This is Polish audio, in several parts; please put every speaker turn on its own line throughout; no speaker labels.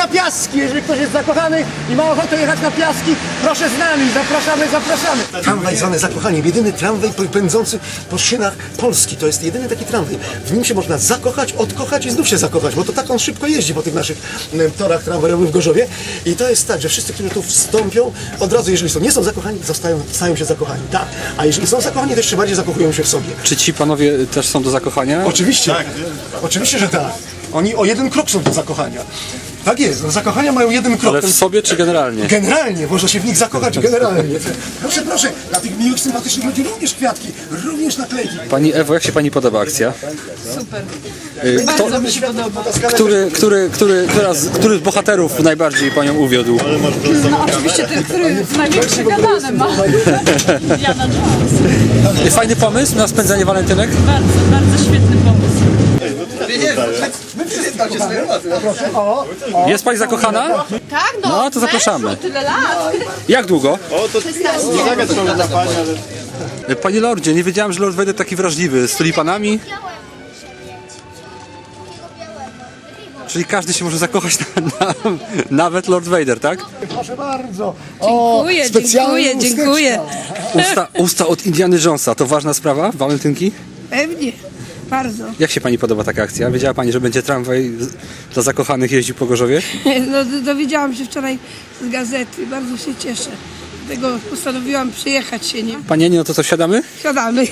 na Piaski. Jeżeli ktoś jest zakochany i ma ochotę jechać na Piaski, proszę z nami, zapraszamy. Tramwaj zwany Zakochaniem, jedyny tramwaj pędzący po szynach Polski. To jest jedyny taki tramwaj. W nim się można zakochać, odkochać i znów się zakochać, bo to tak on szybko jeździ po tych naszych torach tramwajowych w Gorzowie. I to jest tak, że wszyscy, którzy tu wstąpią, od razu, jeżeli nie są zakochani, stają się zakochani. Tak. A jeżeli są zakochani, to jeszcze bardziej zakochują się w sobie.
Czy ci panowie też są do zakochania?
Oczywiście. Tak. Oczywiście, że tak. Oni o jeden krok są do zakochania. Tak jest, no, zakochania mają jeden krok.
Ale w sobie czy generalnie?
Generalnie, można się w nich zakochać generalnie. Proszę, dla tych miłych, sympatycznych ludzi również kwiatki, również naklejki.
Pani Ewo, jak się pani podoba akcja?
Super.
Kto,
Mi się podoba.
który z bohaterów najbardziej panią uwiódł?
No oczywiście ten, który największe gadane ma. Jana Jones.
Fajny pomysł na spędzanie walentynek?
Bardzo świetny pomysł.
Jest pani zakochana?
Tak,
No, to zapraszamy.
Tyle lat.
Jak długo?
Nie
Panie Lordzie, nie wiedziałem, że Lord Vader taki wrażliwy. Z tulipanami? Czyli każdy się może zakochać, nawet Lord Vader, tak?
Proszę bardzo.
Dziękuję.
Usta od Indiana Jonesa, to ważna sprawa, walentynki?
Pewnie, bardzo.
Jak się pani podoba taka akcja? Wiedziała pani, że będzie tramwaj dla zakochanych jeździł po Gorzowie?
No, dowiedziałam się wczoraj z gazety, bardzo się cieszę. Dlatego postanowiłam przyjechać się, nie?
Pani Eniu, no to co, siadamy?
Siadamy.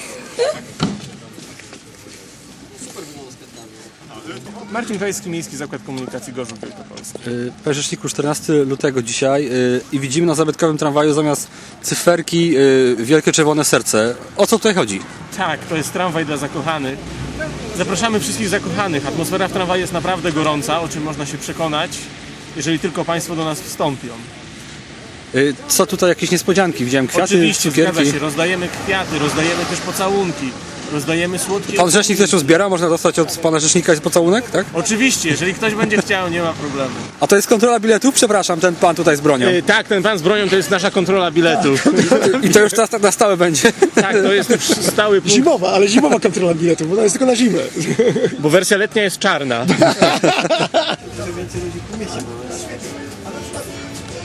Marcin Krajski, Miejski Zakład Komunikacji Gorzów Wielkopolski.
Panie Rzeczniku, 14 lutego dzisiaj i widzimy na zabytkowym tramwaju zamiast cyferki wielkie czerwone serce. O co tutaj chodzi?
Tak, to jest tramwaj dla zakochanych. Zapraszamy wszystkich zakochanych. Atmosfera w tramwaju jest naprawdę gorąca, o czym można się przekonać, jeżeli tylko Państwo do nas wstąpią.
Co tutaj, jakieś niespodzianki? Widziałem kwiaty,
Oczywiście, zgadza
cukierki.
się, rozdajemy kwiaty, rozdajemy też pocałunki, rozdajemy słodkie...
Pan Rzecznik też zbiera? Można dostać od pana Rzecznika pocałunek, tak?
Oczywiście, jeżeli ktoś będzie chciał, nie ma problemu.
A to jest kontrola biletów? Przepraszam, ten pan tutaj z bronią.
Tak, ten pan z bronią to jest nasza kontrola biletu.
I to już teraz tak na stałe będzie.
Tak, to jest już stały punkt,
Zimowa kontrola biletów, bo ona jest tylko na zimę.
bo wersja letnia jest czarna.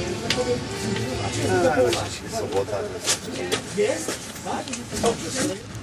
Sobota.